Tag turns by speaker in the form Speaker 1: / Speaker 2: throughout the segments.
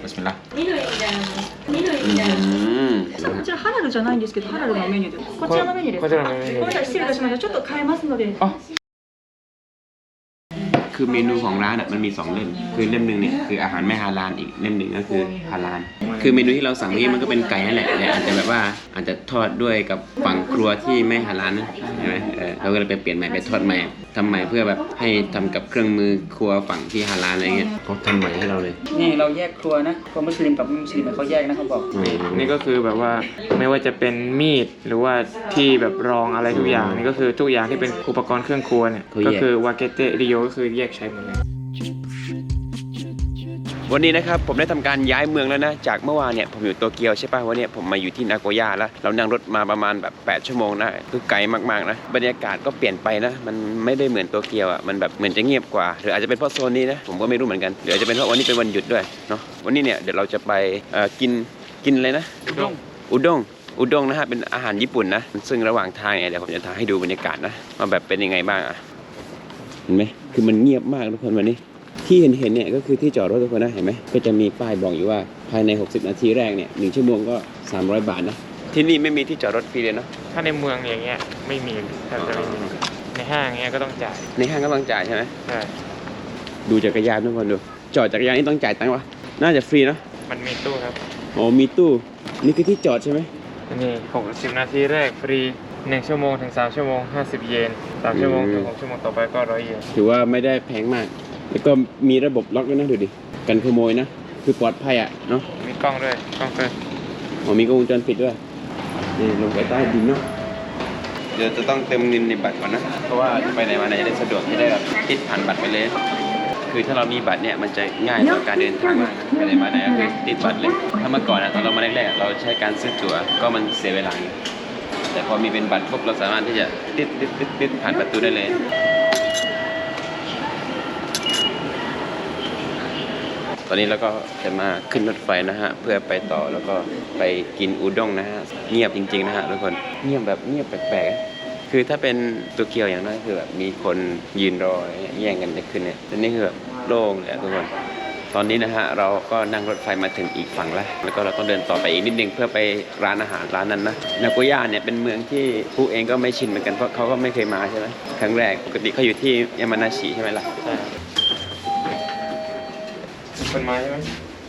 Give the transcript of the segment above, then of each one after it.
Speaker 1: ビスミลลาห์
Speaker 2: こちらハラルじゃないんですけど、ハラルのメニューです。こちらのメニューです。
Speaker 1: こちらのメニューです。
Speaker 2: ごめんなさい、失礼いたしました。ちょっと変えますので。
Speaker 3: คือเมนูของร้านมันมี2เล่มคือเล่มหนึ่งเนี่ยคืออาหารไม่ฮาลาลอีกเล่มหนึ่งก็คือฮาลาลคือเมนูที่เราสั่งนี้มันก็เป็นไก่นั่นแหละแต่อาจจะแบบว่าอาจจะทอดด้วยกับฝั่งครัวที่ไม่ฮาลาลนะใช่ไหมเราก็เลยไปเปลี่ยนใหม่ไปทอดใหม่ทำใหม่เพื่อแบบให้ทำกับเครื่องมือครัวฝั่งที่ฮาลาลอะไรเงี้ยเขาทำใหม่ให้เราเลย
Speaker 2: นี่เราแยกครัวนะครัวมุสลิมกับมุสลิมเขาแยกนะเขาบอก
Speaker 1: นี่ก็คือแบบว่าไม่ว่าจะเป็นมีดหรือว่าที่แบบรองอะไรทุกอย่างนี่ก็คือทุกอย่างที่เป็นอุปกรณ์เครื่องครัวเนี่ยก็คือวาเกเตริโยก็คือแยกใช้หมดเลย
Speaker 3: วันนี้นะครับผมได้ทำการย้ายเมืองแล้วนะจากเมื่อวานเนี่ยผมอยู่โตเกียวใช่ป่ะวันนี้ผมมาอยู่ที่นาโกย่าแล้วเรานั่งรถมาประมาณแบบ8ชั่วโมงนะคือไกลมากๆนะบรรยากาศก็เปลี่ยนไปนะมันไม่ได้เหมือนโตเกียวอ่ะมันแบบเหมือนจะเงียบกว่าหรืออาจจะเป็นเพราะโซนนี้นะผมก็ไม่รู้เหมือนกันหรืออาจจะเป็นเพราะวันนี้เป็นวันหยุดด้วยเนาะวันนี้เนี่ยเดี๋ยวเราจะไปกินอะไรนะอุด้งนะฮะเป็นอาหารญี่ปุ่นนะซึ่งระหว่างทางเนี่ยเดี๋ยวผมจะถ่ายให้ดูบรรยากาศนะว่าแบบเป็นยังไงบ้างอ่ะเห็นไหมคือมันเงียบมากทุกคนวันนี้ที่เห็นเนี่ยก็คือที่จอดรถทุกคนนะเห็นไหมก็จะมีป้ายบอกอยู่ว่าภายใน60นาทีแรกเนี่ย1ชั่วโมงก็300 บาทนะที่นี่ไม่มีที่จอดรถฟรีเลยเนาะ
Speaker 1: ถ้าในเมืองอย่างเงี้ยไม่มีแทบจะไม่มีในห้างเงี้ยก็ต้องจ่าย
Speaker 3: ในห้างก็ต้องจ่ายใช่ไหม
Speaker 1: ใช่
Speaker 3: ดูจักรยานทุกคนดูจอดจักรยานนี่ต้องจ่ายตังค์วะน่าจะฟรีเนาะ
Speaker 1: มันมีตู้ครับ
Speaker 3: อ๋อมีตู้นี่คือที่จอดใช่ไหม
Speaker 1: นี่60นาทีแรกฟรี1ชั่วโมงถึง3ชั่วโมง50เยน3ชั่วโมงถึง6ชั่วโมงต่อไปก็100เยน
Speaker 3: ถือว่าไม่ได้แพงมากแล้วก็มีระบบล็อกด้วยนะดูดิกันขโมยนะคือปลอดภัยอ่ะเนาะ
Speaker 1: มีกล้องด้วยกล้องเตือน
Speaker 3: มีกล้องวงจรปิดด้วยนี่ลงไปใต้ดินเนาะเดี๋ยวจะต้องเติมเงินในบัตรก่อนนะเพราะว่าไปไหนมาไหนจะได้สะดวกที่ได้แบบติดผ่านบัตรไปเลยคือถ้าเรามีบัตรเนี่ยมันจะง่ายต่อการเดินทางมากไปไหนมาไหนก็คือติดบัตรเลยถ้าเมื่อก่อนตอนเรามาแรกๆเราใช้การซื้อตั๋วก็มันเสียเวลาแต่พอมีเป็นบัตรปุ๊บเราสามารถที่จะติดผ่านประตูได้เลยตอนนี้เราก็จะมาขึ้นรถไฟนะฮะเพื่อไปต่อแล้วก็ไปกินอุด้งนะฮะเงียบจริงๆนะฮะทุกคนเงียบแบบเงียบแปลกๆคือถ้าเป็นโตเกียวอย่างน้อยคือแบบมีคนยืนรอแย่งกันจะขึ้นเนี่ยแต่นี่คือแบบโล่งเลยทุกคนตอนนี้นะฮะเราก็นั่งรถไฟมาถึงอีกฝั่งแล้วก็เราต้องเดินต่อไปอีกนิดนึงเพื่อไปร้านอาหารร้านนั้นนะนาโกย่าเนี่ยเป็นเมืองที่ผู้เองก็ไม่ชินเหมือนกันเพราะเขาก็ไม่เคยมาใช่ไหมครั้งแรกปกติเขาอยู่ที่ยามานาชิใช่ไหมล่ะ
Speaker 1: เป็นไม้ใช่ไหม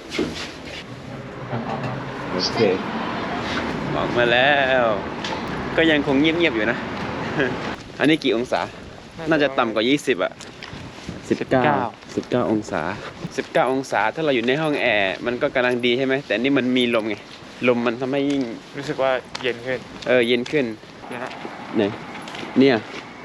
Speaker 3: โอเคออกมาแล้วก็ยังคงเงียบๆอยู่นะ อันนี้กี่องศาน่าจะต่ำกว่า20อ่ะ19องศา19องศาถ้าเราอยู่ในห้องแอร์มันก็กำลังดีใช่ไหมแต่นี่มันมีลมไงลมมันทำให้ยิ่ง
Speaker 1: รู้สึกว่าเย็นขึ้น
Speaker 3: เย็นขึ้นไหนเนี่ย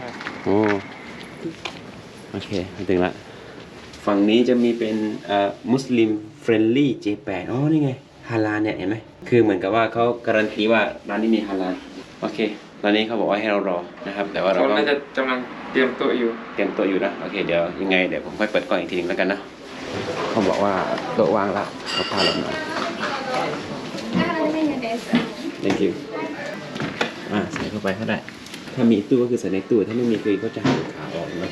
Speaker 3: โอเคมาถึงละฝั่งนี้จะมีเป็นมุสลิมเฟรนลี่เจแปนนี่ไงฮาลาลเนี่ยเห็นไหมคือเหมือนกับว่าเขาการันตีว่าร้านนี้มีฮาลาลโอเคตอนนี้เขาบอกว่าให้เรารอนะครับแต่ว่าเรา
Speaker 1: น่าจะกำลังเตรียมโต๊ะอยู่
Speaker 3: นะโอเคเดี๋ยวยังไงเดี๋ยวผมค่อยเปิดกล้องอีกทีนึงแล้วกันนะเขาบอกว่าโต๊ะวางละเขาพาเรามาthank you ใส่เข้าไปก็ได้ถ้ามีตู้ก็คือใส่ในตู้ถ้าไม่มีคือเขาจะหันขาออกนะ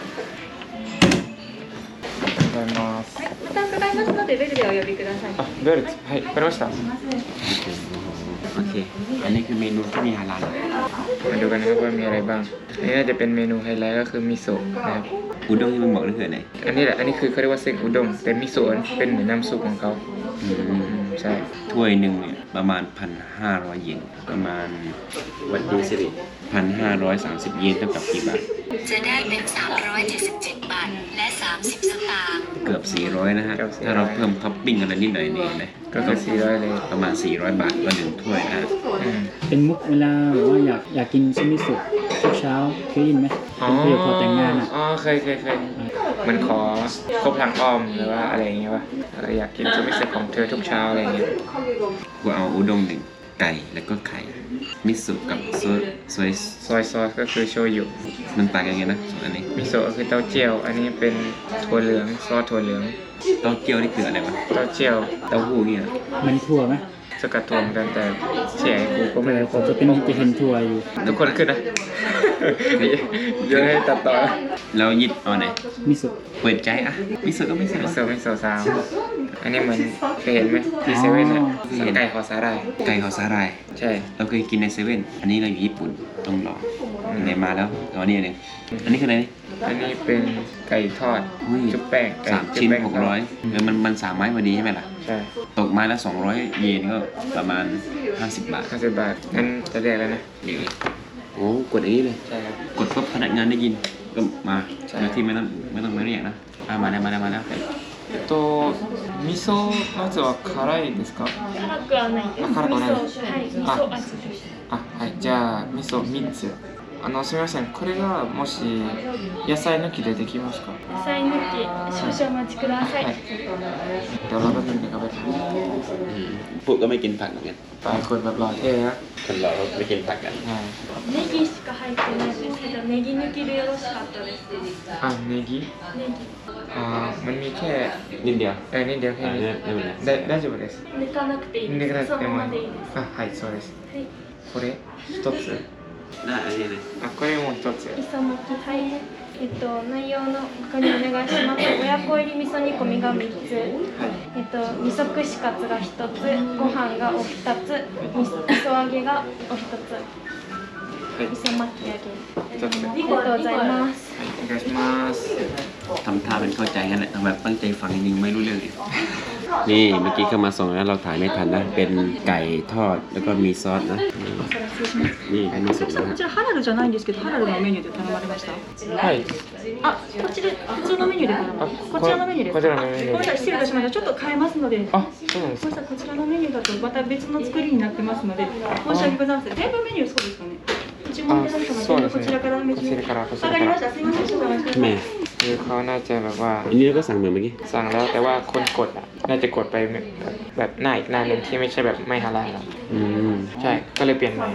Speaker 2: ボタン伺いますのでベルでお呼びください。
Speaker 1: ベルはいわかりました
Speaker 3: โอเคอันนี้คือเมนูที่มีฮาลาล
Speaker 1: มาดูกันนะครับว่ามีอะไรบ้างอันนี้น่าจะเป็นเมนูไฮไลท์ก็คือมิโซะนะครับ
Speaker 3: อุด้งที่มันบอกนั่นคืออะไร
Speaker 1: อันนี้แหละอันนี้คือเขาเรียกว่าเส้นอุด้งแต่มิโซะเป็นเหมือนน้ำซุปของเขาใช่
Speaker 3: ถ้วยหนึ่งเนี่ยประมาณ 1,500 เยนประมาณวัดดีสิริ1,530 เยนเท่ากับกี่บาท
Speaker 4: จะได้เป็น377 บาทและ30 สตางค์
Speaker 3: เกือบ400นะฮะถ้าเราเพิ่มท็อปปิ้งอะไรนิดหน่อยนี่นะ
Speaker 1: ก็คือ400เลย
Speaker 3: ประมาณ400 บาทต่อ1ถ้วยนะ
Speaker 2: เป็นมุกเวลาแบบว่าอยากกินซุมิสุทุกเช้าเคยยินไหมเป็นประโยคพอแต่งงานอ่ะ
Speaker 1: เคยมันขอครบทางอ้อมหรือว่าอะไรอย่างเงี้ยวะอยากกินซุมิสุของเธอทุกเช้าอะไรอย่างเงี้ย
Speaker 3: กูเอาอุด้ง1ไก่แล้วก็ไข่มิโซะกับซอย
Speaker 1: ซอสก็คือโชยุ
Speaker 3: มันต่างกันไงนะอันนี้
Speaker 1: มิโซะคือเต้าเจี้ยวอันนี้เป็นถั่วเหลืองซอสถั่วเหลือง
Speaker 3: เต้าเจี้ยวนี่คืออะไรวะ
Speaker 1: เต้าเจี้ยว
Speaker 3: เต้าหู้เนี่ย
Speaker 2: มันถั่วไหม
Speaker 1: ใสกัดถั่วเหมือนกันแต่เสียงกูก็ไม่ได้ครบ
Speaker 2: จะเห็นทัวร์อยู่
Speaker 1: ทุกคนขึ้นนะ เยอะให้ตัดต่อ
Speaker 3: เรายิดเอาไหน
Speaker 2: มิโซะ
Speaker 3: เปิดใจอ่ะมิโซะก็ไม่ใช่
Speaker 1: มิโซะมิโซะซาวอันนี้เหมือนเคยเห็นไหมที่เซเว่นอ่ะไก่คอสาหร่าย
Speaker 3: ไก่เขาสาหร่าย
Speaker 1: ใช่
Speaker 3: เราเคยกินในเซเว่นอันนี้เราอยู่ญี่ปุ่นต้องลองไหนมาแล้วเอานี่เลยอันนี้คืออะไรนี่
Speaker 1: อันนี้เป็นไก่ทอด
Speaker 3: อุ้ย
Speaker 1: ชุบแป้งไก่
Speaker 3: 3 ชิ้น
Speaker 1: ชุบแป้ง
Speaker 3: 600มัน3 ไม้พอดีใช่ไหมล่ะ
Speaker 1: ใช่
Speaker 3: ตกไม้ละ200 เยนก็ประมาณ50 บาท
Speaker 1: 50 บาทงั้นจะเรียกแล้วนะ
Speaker 3: นี่โอ้กดอย่างนี้เลย
Speaker 1: ใช่ครับ
Speaker 3: กดปุ๊บพนักงานได้ยินก็มา
Speaker 1: ใช่
Speaker 3: โดยที่ไม่ต้องมาเรียกนะมาแล้ว
Speaker 1: 味噌のやつは辛いですか？
Speaker 5: 辛くはないです。
Speaker 1: あ辛くはない
Speaker 5: 味噌、はい、味噌味です。
Speaker 1: あ、はい、じゃあ味噌3つ。すみません、これがもし野菜抜きでできますか？
Speaker 5: 野菜抜き、少々お待ちください。
Speaker 1: はい。เดี๋ยวเราแป๊บนึงนะครับ
Speaker 3: พูดก็ไม่กินผักเหมือนกัน
Speaker 1: ปลายคนแบบหล่อเท่นะ
Speaker 3: คนเราไม่กินผักกัน
Speaker 1: ใช่
Speaker 5: ネギしか入ってないですけど、ネギ抜きでよろしかったです。
Speaker 1: อ่ะネギ
Speaker 5: ネギ。
Speaker 1: มันมีแค่
Speaker 3: นิดเดียว
Speaker 1: นิดเดียวแค่นี้
Speaker 3: ไม่เป็นไร
Speaker 1: 大丈夫です。
Speaker 5: 抜かなくていい
Speaker 1: 抜かな
Speaker 5: です。そ
Speaker 1: くても
Speaker 5: のままでいいです。
Speaker 1: あ、はい、そうです。
Speaker 5: はい。
Speaker 1: これ一つ。
Speaker 3: ได้อันนี้เลย
Speaker 1: あ、これも一つ。
Speaker 5: 磯巻き、はい。内容の確認お願いします。親子入り味噌煮込みが3つ。味噌串カツが1つ、ご飯がお2つ、味噌揚げがお1つ。
Speaker 1: はい、
Speaker 5: 味噌巻き揚げ。
Speaker 1: 一つ。
Speaker 5: ありがとうございます。
Speaker 1: お願いします。
Speaker 3: ทำท่าเป็นเข้าใจกันแหละทำแบบตั้งใจฟังจริงๆไม่รู้เรื่องเลยนี่เมื่อกี้เข้ามาส่งแล้วเราถ่ายไม่ทันนะเป็นไก่ทอดแล้วก็มีซอสนะนี่อันนี้สุดแล้ว
Speaker 6: こちらハラルじゃないんですけど、ハラルのメニューで頼まれました。
Speaker 1: はい。
Speaker 6: あ、こっちで普通のメニューで頼まれこちらのメニューです。
Speaker 1: こちらのメニューで
Speaker 6: ごめんなさい、失礼いたしました。ちょっと変えますので。
Speaker 1: あ、そうなんですか。
Speaker 6: ごめんなさい、こちらのメニューだとまた別の作りになってますので、申し訳ございません。全部メニューそうですかね。注文いただいたので、こちらからメニュー。わかりました。すみません、ちょっとお待ちください。
Speaker 3: แม่
Speaker 1: คือเขาน่าจะแบบว่า
Speaker 3: อันนี้เราก็สั่งเหมือนเมื่อกี้
Speaker 1: สั่งแล้วแต่ว่าคนกดอ่ะน่าจะกดไปแบบหน้าอีกหน้าหนึ่งที่ไม่ใช่แบบไม่ฮาลาลอะ
Speaker 3: อืม
Speaker 1: ใช่ก็เลยเปลี่ยนใหม่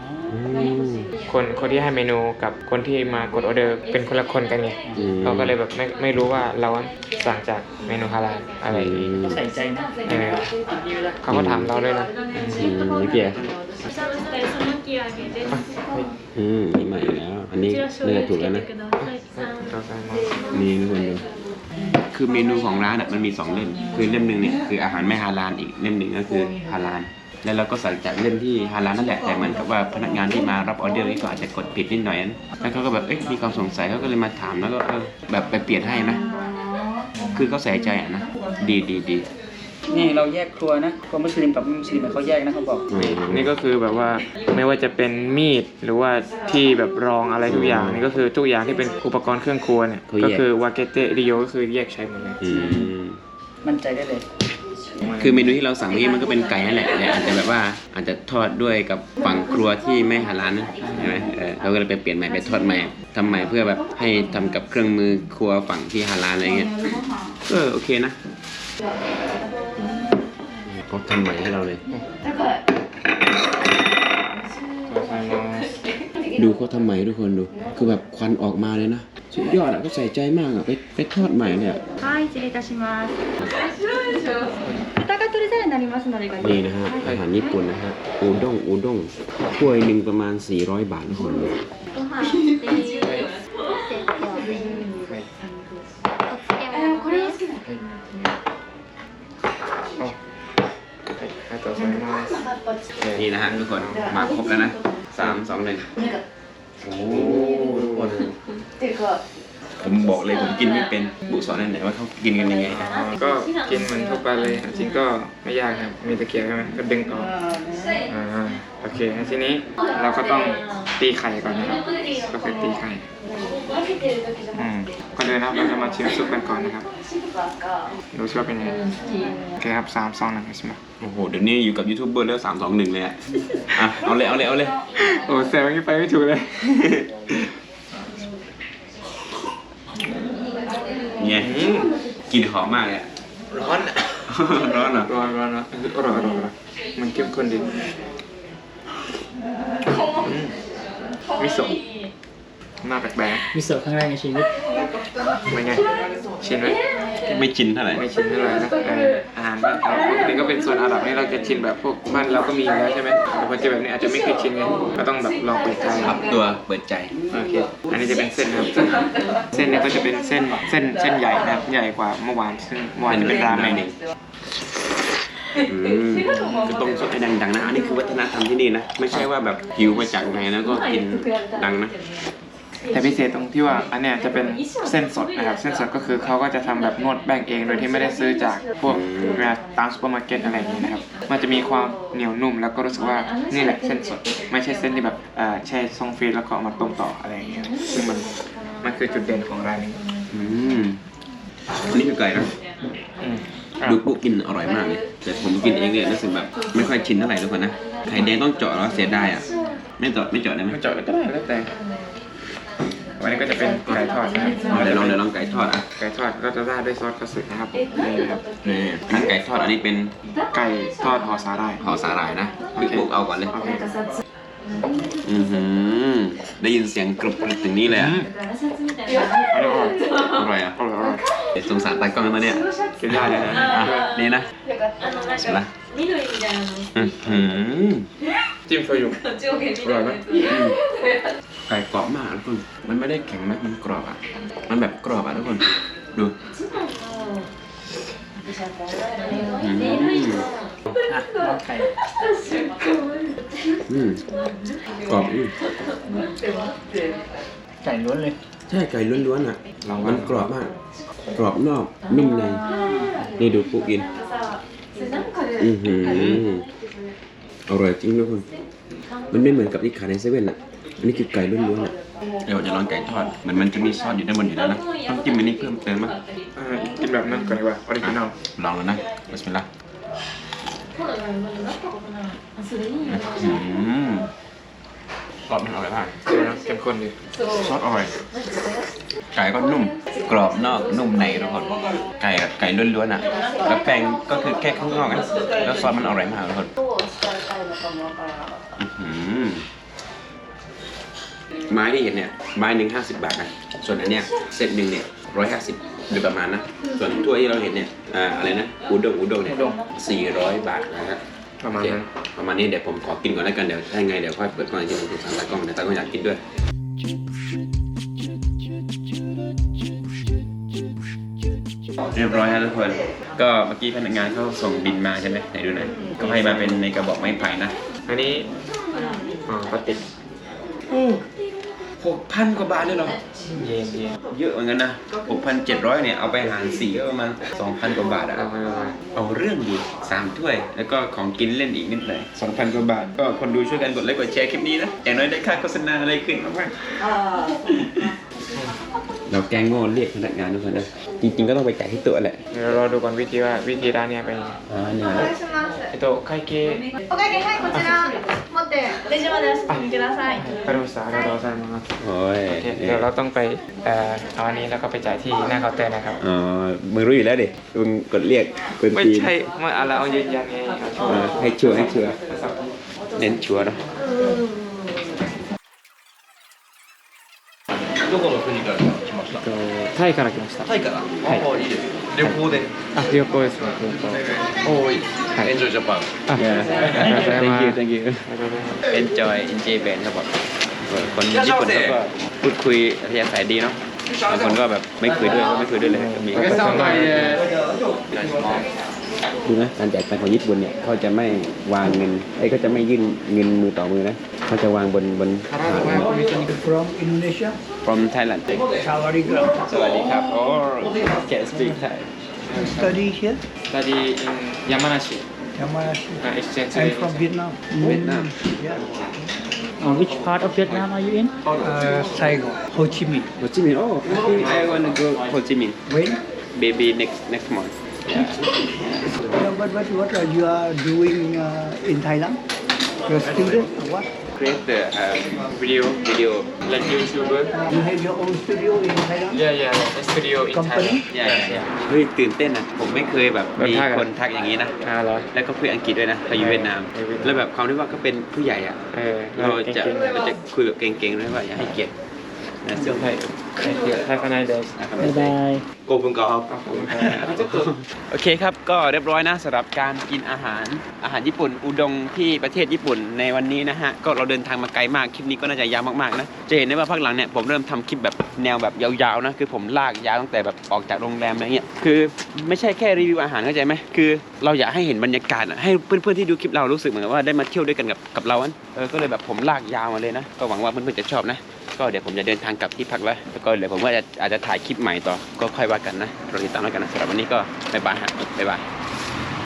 Speaker 1: คนที่ให้เมนูกับคนที่มากดออเดอร์เป็นคนละคนกันไงเขาก็เลยแบบไม่รู้ว่าเราสั่งจากเมนูฮาลาลอะไรอย่างงี้
Speaker 2: ใส่ใจนะ ดีเวลา
Speaker 1: เขาก็ถามเราเลยนะ
Speaker 3: เมื่อกี้
Speaker 5: おしゃぶした磯巻き揚げです。
Speaker 3: นี่ใหม่แล้วอันนี้
Speaker 5: こちら醤
Speaker 3: น่า
Speaker 5: 油
Speaker 3: จะถูก
Speaker 5: つ
Speaker 3: แล้ว
Speaker 5: け
Speaker 3: นะ
Speaker 5: てください。
Speaker 1: เราสั่งมา
Speaker 3: นี่ทุกคนดูคือเมนูของร้านอ่ะมันมี2 เล่มคือเล่มหนึ่งเนี่ยคืออาหารไม่ฮาลาลอีกเล่มหนึ่งก็คือฮาลาลแล้วเราก็สั่งจากเล่มที่ฮาลาลนั่นแหละแต่เหมือนกับว่าพนักงานที่มารับออเดอร์นี่ก็อาจจะกดผิดนิดหน่อยนั้นแล้วเขาก็แบบมีความสงสัยเขาก็เลยมาถามแล้วก็แบบไปเปลี่ยนให้นะคือเขาใส่ใจอ่ะนะดี
Speaker 2: นี่เราแยกครัวนะครัวมุสลิมกับไม่มุสลิมเขาแยกนะเขาบอก
Speaker 1: นี่ก็คือแบบว่าไม่ว่าจะเป็นมีดหรือว่าที่แบบรองอะไรทุกอย่างนี่ก็คือทุกอย่างที่เป็นอุปกรณ์เครื่องครัวเนี่ยก็คือวาเกเตริโยก็คือแยกใช้หมดเลย
Speaker 2: มั่นใจได้เลย
Speaker 3: คือเมนูที่เราสั่งนี้มันก็เป็นไก่นั่นแหละแต่อาจจะแบบว่าอาจจะทอดด้วยกับฝั่งครัวที่ไม่ฮาลาลนะใช่ไหมเราก็เลยไปเปลี่ยนใหม่ไปทอดใหม่ทำใหม่เพื่อแบบให้ทำกับเครื่องมือครัวฝั่งที่ฮาลาลอะไรเงี้ยโอเคนะเขาทำใหม่ให้เราเลยดูเขาทำใหม่ทุกคนดูคือแบบควันออกมาเลยนะสุดยอดอ่ะก็ใส่ใจมากอ่ะไปทอดใหม่เนี่ย
Speaker 6: はい、失礼いたします。豚が取り皿になりますので、ご
Speaker 3: นี่นะฮะอาหารญี่ปุ่นนะฮะอูด้งถ้วยหนึ่งประมาณ400 บาททุกคนเลย
Speaker 5: ご飯これ好きだ。
Speaker 1: ありがとうございます
Speaker 3: นี่นะฮะทุกคนมาครบแล้วนะ3 2 1โอ้ทุกคนผมบอกเลยผมกินไม่เป็นบุสอนนั่นไหนว่าเขากินกันยังไง
Speaker 1: ก็กินเหมือนทั่วไปเลยจริงก็ไม่ยากครับมีตะเกียบใช่ไหมก็ดึงออกโอเคทีนี้เราก็ต้องตีไข่ก่อนนะครับก็คือตีไข่ก่อนเลยนะครับเราจะมาชิมซุปกันก่อนนะครับดูซิว่าเป็นยังไงโอเคครับ3 2 1ใช่ไหม
Speaker 3: โอ้โหเดี๋ยวนี้อยู่กับยูทูบเบอร์แล้ว3 2 1เลยอ่ะเอาเลย
Speaker 1: โอ้แซวอย่างนี้ไปไม่ถูกเลย
Speaker 3: เนี่ยกลิ่นหอมมากเลยอะ
Speaker 1: ร้อนร้อนเหรอร้อนมันเข้มข้นดีมิโซะหน้าแปลก
Speaker 2: มิโซะครั้งแรกในชีวิต
Speaker 1: ๆเป็นไงชินไหม
Speaker 3: ไม่ชินเท่าไหร่
Speaker 1: ไม่ชินเท่าไหร่นะอาหารบ้านเราปกติก็เป็นโซนอาหรับนี่เราจะชินแบบพวกบ้านเราก็มีอยู่แล้วใช่ไหมแต่พอเจอแบบนี้อาจจะไม่เคยชินไงก็ต้องแบบลองเปิดใจ
Speaker 3: ปรับตัวเปิดใจ
Speaker 1: โอเคอันนี้จะเป็นเส้นนะครับเส้นเนี่ยก็จะเป็นเส้นใหญ่นะครับใหญ่กว่าเมื่อวานซึ่งเมื่อวานจะเป็นราเมง
Speaker 3: ก็ต้องสดให้ดังๆนะอันนี้คือวัฒนธรรมที่นี่นะไม่ใช่ว่าแบบหิวมาจากไหนแล้วก็กินดังนะ
Speaker 1: แต่พิเศษตรงที่ว่าอันเนี้ยจะเป็นเส้นสดนะครับเส้นสดก็คือเขาก็จะทำแบบนวดแป้งเองโดยที่ไม่ได้ซื้อจากพวกตามซูเปอร์มาร์เก็ตอะไรอย่างนี้นะครับมันจะมีความเหนียวนุ่มแล้วก็รู้สึกว่านี่แหละเส้นสดไม่ใช่เส้นที่แบบแช่ซองฟรีซแล้วก็เอามาต้มต่ออะไรอย่างเงี้ยซึ่งมันคือจุดเด่นของร้านนี้
Speaker 3: อันนี้คือไก่นะดูปุ๊กินอร่อยมากเลยแต่ผมกินเองเนี่ยรู้สึกแบบไม่ค่อยชินเท่าไหร่ทุกคนนะไข่แดงต้องเจาะแล้วเสียดายอ่ะไม่เจาะได้ไหม
Speaker 1: ไม่เจาะก็ได้แล้วแต่วันนี้ก็จะเป็นไก่ทอดนะครับ
Speaker 3: เดี๋ยวลองไก่ทอดอ่ะ
Speaker 1: ไก่ทอดก็จะราดด้วยซอสกระสือนะครับนี่นะครับ
Speaker 3: นี่ทั้งไก่ทอดอันนี้เป็น
Speaker 1: ไก่ทอดห่อสาหร่าย
Speaker 3: ห่อสาหร่ายนะปุ๊เอาก่อนเลย
Speaker 1: โอเค
Speaker 3: ได้ยินเสียงกรุบกรุบถึงนี่เลยอ่ะ
Speaker 1: อร่อย
Speaker 3: อร่อยอ่ะ
Speaker 1: อร่อย
Speaker 3: เดี๋ยวสงสารตากล้องมาเนี่ย
Speaker 1: กินได้เลยนะ
Speaker 3: นี่นะเสร็จละ
Speaker 1: จิ้มโชยุอร่อยไหม
Speaker 3: ไก่กรอบมากทุกคนมันไม่ได้แข็งนะมันกรอบอ่ะมันแบบกรอบอ่ะทุกคนดู
Speaker 2: ลองไก่
Speaker 3: กรอบ
Speaker 2: ไก่ล้วนเลย
Speaker 3: ใช่ไก่ล้วนๆอ่ะมันกรอบมาก กรอบนอกนุ่มในนี่ดูปุ๊กินอร่อยจริงทุกคนมันไม่เหมือนกับที่ขายในเซเว่นอ่ะอันนี้คือไก่ล้วนๆอ่ะเดี๋ยวจะลองไก่ทอดมันจะมีซอสอยู่ด้านบนอยู่แล้วนะต้องจิ้มอันนี้เพิ่มเติมมั้ย
Speaker 1: กินแบบนั้นก่อนดีกว่าออริจินอล
Speaker 3: ลองแล้วนะบิสมิลลาห์ซอสมันอร่อยมาก
Speaker 1: เดี๋ยวนะเข้มข้นดี
Speaker 3: ซอสอร่อยไก่ก็นุ่มกรอบนอกนุ่มในทุกคนไก่ล้วนๆอ่ะแล้วแป้งก็คือแค่ข้างนอกนะแล้วซอสมันอร่อยมากทุกคนไม้ที่เห็นเนี่ยไม้หนึ่ง50 บาทนะส่วนอันเนี้ยเซตหนึ่งเนี่ย150โดยประมาณนะส่วนถ้วยที่เราเห็นเนี่ยอะไรนะอูด้งเนี่ย400 บาทนะครับ
Speaker 1: ประมาณนั้น
Speaker 3: ประมาณนี้เดี๋ยวผมขอกินก่อนแล้วกันเดี๋ยวถ้าไงเดี๋ยวค่อยเปิดกล้องอีกทีผมสั่งตากล้องเดี๋ยวตากล้องอยากกินด้วยเรียบร้อยแล้วทุกคนก็เมื่อกี้พนักงานเขาส่งบินมาใช่ไหมไหนดูหน่อยก็ให้มาเป็นในกระบอกไม้ไผ่นะ
Speaker 1: อันนี้ปฏิก
Speaker 3: 6,000 กว่าบาทเลยเหรอเยอะเหมือนกันนะ 6,700 เนี่ยเอาไปหาร4ก็ประมาณ 2,000 กว่าบาทอะเอาเรื่องดี3ถ้วยแล้วก็ของกินเล่นอีกนิดหน่อย 2,000 กว่าบาทก็คนดูช่วยกันกดไลค์กดแชร์คลิปนี้นะอย่างน้อยได้ค่าโฆษณาอะไรขึ้นมากเราแกงโง่เรียกพนักงานทุกคนนะจริงๆก็ต้องไปจ่ายที่ตัวแหละ
Speaker 1: เดี๋ยวเราดูก่อนวิธีร้านเนี้ยเป็นยังไง
Speaker 3: นี่นะ
Speaker 1: 会計
Speaker 5: お会計はいこちら持ってレジまでお進みください
Speaker 1: わかりましたありがとうございます
Speaker 3: โอ้ย
Speaker 1: โอเคเดี๋ยวเราต้องไปเอาอันนี้แล้วก็ไปจ่ายที่หน้าเคาน์เตอร์นะครับ
Speaker 3: อ๋อมึงรู้อยู่แล้วดิมึงกดเรียกเป็น
Speaker 1: ไม่
Speaker 3: ปีน
Speaker 1: ใช่เมื่อเราเอายืนยันไงเอาชัวร์
Speaker 3: ให้ชัวร์เน้นชัวร์เนาะどこの国から来ました
Speaker 1: タイから来ました
Speaker 3: タイからいいです旅行で
Speaker 1: 旅行ですね
Speaker 3: おーいエンジョイジャパン
Speaker 1: ありがとうございます
Speaker 3: thank you enjoy band ครับผมคนญี่ปุ่นเขาก็พูดคุยอัธยาศัยดีเนาะบางคนก็แบบไม่คุยด้วยเลยมีดูนะการจ่ายตังค์ของญี่ปุ่นเนี่ยเขาจะไม่วางเงินก็จะไม่ยื่นเงินมือต่อมือนะเขาจะวางบน
Speaker 2: from Indonesia
Speaker 3: from Thailand สวัสดีครับ oh can speak Thai
Speaker 2: study here
Speaker 1: study in Yamanashi
Speaker 2: Yamanashi
Speaker 1: exchange
Speaker 2: I'm from Vietnam
Speaker 3: Vietnam
Speaker 2: which part of Vietnam are you in Saigon Ho Chi Minh
Speaker 3: Ho Chi Minh oh I want to go Ho Chi Minh
Speaker 2: when
Speaker 3: maybe next month
Speaker 2: but what are you are doing in Thailand you're a student or what
Speaker 3: create the
Speaker 1: video
Speaker 3: video
Speaker 1: like YouTuber
Speaker 2: you have your own studio in Thailand
Speaker 1: yeah studio in
Speaker 2: Company?
Speaker 1: Thailand
Speaker 3: เฮ้ยตื่นเต้นนะผมไม่เคยแบบมี
Speaker 1: ทักอะ
Speaker 3: คนทักอย่างนี้นะ
Speaker 1: เหรอ
Speaker 3: แล้วก็คุยอังกฤษด้วยนะเขาอยู่เวียดนาม แล้วแบบความที่ว่าก็เป็นผู้ใหญ่อะเราจะคุยแบบเก่งๆด้วยว่าอย่าให้เกียรติ
Speaker 1: Have a nice day
Speaker 2: บ๊ายบาย
Speaker 3: โกบุงกอบโอเคครับก็เรียบร้อยนะสำหรับการกินอาหารญี่ปุ่นอุด้งที่ประเทศญี่ปุ่นในวันนี้นะฮะก็เราเดินทางมาไกลมากคลิปนี้ก็น่าจะยาวมากๆนะจะเห็นได้ว่าพักหลังเนี่ยผมเริ่มทำคลิปแบบแนวแบบยาวๆนะคือผมลากยาวตั้งแต่แบบออกจากโรงแรมอะไรเงี้ยคือไม่ใช่แค่รีวิวอาหารเข้าใจไหมคือเราอยากให้เห็นบรรยากาศให้เพื่อนๆที่ดูคลิปเรารู้สึกเหมือนว่าได้มาเที่ยวด้วยกันกับเราก็เลยแบบผมลากยาวมาเลยนะก็หวังว่าเพื่อนๆจะชอบนะก็เดี๋ยวผมจะเดินทางกลับที่พักแล้วก็เดี๋ยวผมว่าอาจจะถ่ายคลิปใหม่ต่อก็ค่อยว่ากันนะรอติดตามแล้วกันนะสำหรับวันนี้ก็บ๊ายบายฮะบ๊ายบาย